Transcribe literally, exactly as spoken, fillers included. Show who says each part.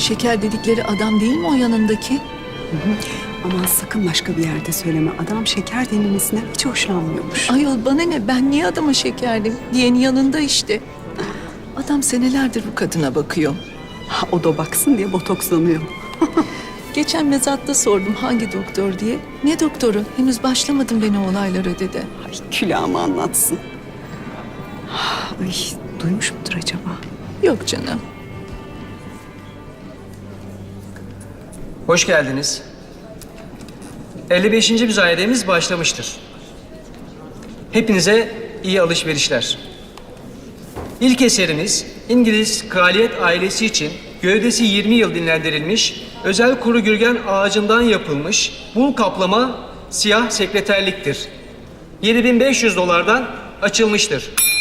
Speaker 1: Şeker dedikleri adam değil mi o yanındaki?
Speaker 2: Hı hı. Aman sakın başka bir yerde söyleme. Adam şeker denilmesinden hiç hoşlanmıyormuş.
Speaker 1: Ayol bana ne, ben niye adama şekerdim diyenin yanında işte. Adam senelerdir bu kadına bakıyor.
Speaker 2: Ha, o da baksın diye botokslanıyor.
Speaker 1: Geçen mezatta sordum hangi doktor diye. Ne doktoru? Henüz başlamadım ben o olaylara dedi.
Speaker 2: Ay külahımı anlatsın. Ay duymuş mudur acaba?
Speaker 1: Yok canım.
Speaker 3: Hoş geldiniz. elli beşinci müzayedemiz başlamıştır. Hepinize iyi alışverişler. İlk eserimiz İngiliz kraliyet ailesi için gövdesi yirmi yıl dinlendirilmiş, özel kuru gürgen ağacından yapılmış bul kaplama siyah sekreterliktir. yedi bin beş yüz dolardan açılmıştır.